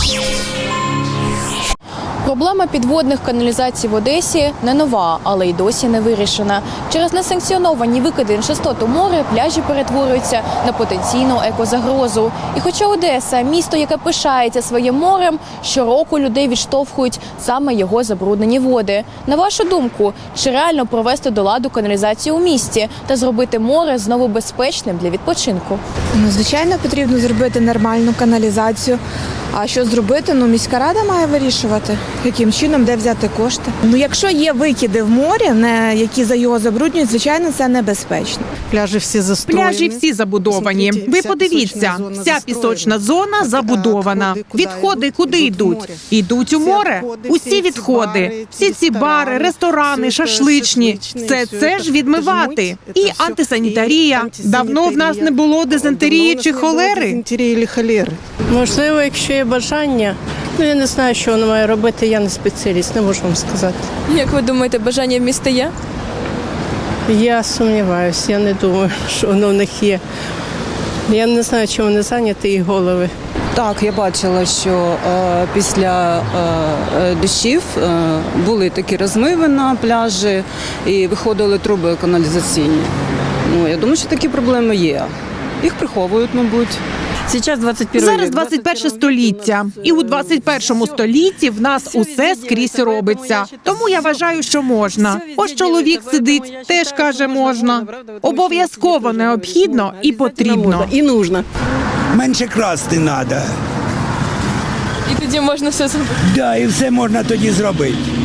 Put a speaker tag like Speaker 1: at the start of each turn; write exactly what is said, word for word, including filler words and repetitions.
Speaker 1: Проблема підводних каналізацій в Одесі не нова, але й досі не вирішена. Через несанкціоновані викиди нечистот у море пляжі перетворюються на потенційну екозагрозу. І хоча Одеса – місто, яке пишається своїм морем, щороку людей відштовхують саме його забруднені води. На вашу думку, чи реально провести до ладу каналізацію у місті та зробити море знову безпечним для відпочинку?
Speaker 2: Ну, звичайно, потрібно зробити нормальну каналізацію. А що зробити? Ну, міська рада має вирішувати, яким чином, де взяти кошти. Ну, якщо є викиди в морі, не, які за його забруднюють, звичайно, це небезпечно.
Speaker 3: Пляжі всі застроєні.
Speaker 4: Пляжі всі забудовані. Ви подивіться, вся пісочна зона забудована. Відходи куди йдуть? Йдуть у море. Усі відходи, всі ці бари, ресторани, шашличні. Все це ж відмивати. І антисанітарія. Давно в нас не було дизентерії чи холери.
Speaker 5: Можливо, якщо є бажання. Ну, я не знаю, що воно має робити, я не спеціаліст, не можу вам сказати.
Speaker 1: Як ви думаєте, бажання в місті є?
Speaker 5: Я сумніваюся, я не думаю, що воно в них є. Я не знаю, чим вони зайняті, їх голови.
Speaker 6: Так, я бачила, що е, після е, дощів е, були такі розмиви на пляжі і виходили труби каналізаційні. Ну, я думаю, що такі проблеми є. Їх приховують, мабуть.
Speaker 4: Зараз двадцять перше століття. І у двадцять першому столітті в нас усе скрізь робиться. Тому я вважаю, що можна. Ось чоловік сидить, теж каже можна. Обов'язково необхідно і потрібно.
Speaker 5: І нужно.
Speaker 7: Менше красти треба.
Speaker 1: І тоді можна все зробити.
Speaker 7: Да, і все можна тоді зробити.